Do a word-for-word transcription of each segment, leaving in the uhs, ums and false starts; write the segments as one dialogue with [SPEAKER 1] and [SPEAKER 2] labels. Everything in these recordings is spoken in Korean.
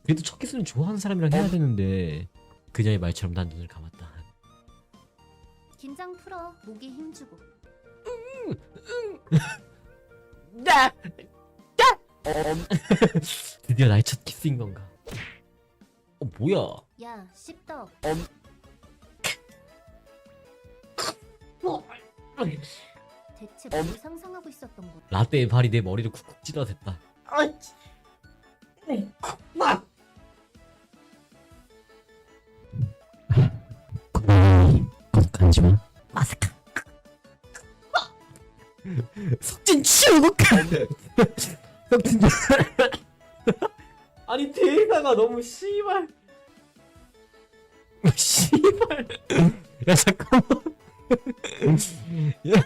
[SPEAKER 1] 그래도 첫 키스는 좋아하는 사람이랑 해야 되는데 그녀의 말처럼 난 눈을 감았다.
[SPEAKER 2] 긴장 풀어. 목에 힘주고.
[SPEAKER 1] 나! 나! 드디어 나의 첫 키스인 건가? 어 뭐야?
[SPEAKER 2] 야, 씹덕. 대체 뭘 상상하고 있었던 거야?
[SPEAKER 1] 라떼의 발이 내 머리를 쿡쿡 찔러댔다. 간지마. 마스카. 석진 치우고 석진 아니 대사가 너무 씨발 씨발 야 잠깐만 야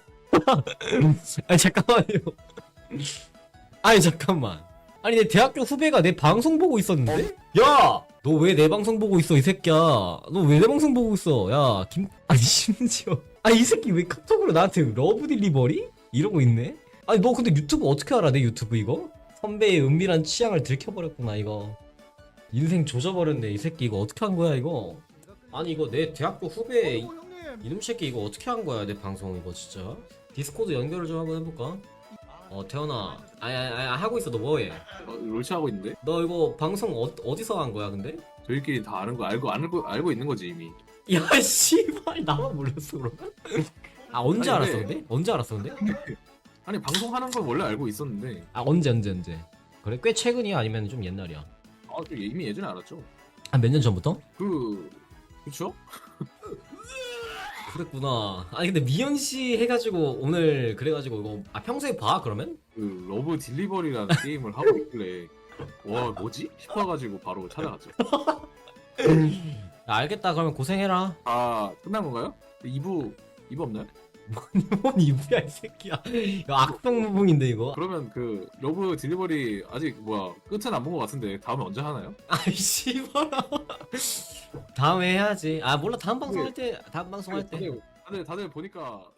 [SPEAKER 1] 아니 잠깐만요 아니 잠깐만 아니 내 대학교 후배가 내 방송 보고 있었는데? 야! 너 왜 내 방송 보고 있어 이 새끼야 너 왜 내 방송 보고 있어 야 김 아니 심지어 아니 이 새끼 왜 카톡으로 나한테 러브 딜리버리? 이러고 있네? 아니 너 근데 유튜브 어떻게 알아 내 유튜브 이거? 선배의 은밀한 취향을 들켜버렸구나 이거 인생 조져버렸네 이 새끼 이거 어떻게 한 거야 이거 아니 이거 내 대학교 후배 이, 이놈 새끼 이거 어떻게 한 거야 내 방송 이거 진짜 디스코드 연결을 좀 한번 해볼까? 어 태연아 아니 아니 아니 하고 있어 너 뭐해?
[SPEAKER 3] 어, 롤치 하고 있는데?
[SPEAKER 1] 너 이거 방송 어, 어디서 한 거야 근데?
[SPEAKER 3] 저희끼리 다 아는 거 알고 알고 알고 있는 거지 이미.
[SPEAKER 1] 야 씨발 나만 몰랐어 그러면? 아 언제
[SPEAKER 3] 아니,
[SPEAKER 1] 알았어
[SPEAKER 3] 근데-
[SPEAKER 1] 근데? 언제 알았어 근데?
[SPEAKER 3] 아니 방송하는 건 원래 알고 있었는데.
[SPEAKER 1] 아 언제 언제 언제? 그래 꽤 최근이야 아니면 좀 옛날이야?
[SPEAKER 3] 아, 저 이미 예전에 알았죠.
[SPEAKER 1] 한 몇 년 전부터?
[SPEAKER 3] 그 그쵸?
[SPEAKER 1] 그랬구나. 아니 근데 미연 씨 해가지고 오늘 그래가지고 이거 아 평소에 봐 그러면?
[SPEAKER 3] 그 러브 딜리버리라는 게임을 하고 있길래 와 뭐지? 싶어가지고 바로 찾아갔죠.
[SPEAKER 1] 야, 알겠다 그러면 고생해라.
[SPEAKER 3] 아 끝난 건가요? 이 부 이 부 없나요?
[SPEAKER 1] 뭔 이브야 이 새끼야. 이거 악성 무붕인데 이거.
[SPEAKER 3] 그러면 그 러브 딜리버리 아직 뭐야 끝은 안 본 것 같은데 다음에 언제 하나요?
[SPEAKER 1] 아이 씨발아. 다음에 해야지. 아 몰라 다음 방송 할 때 다음 방송 할 때.
[SPEAKER 3] 다들 다들 다들 보니까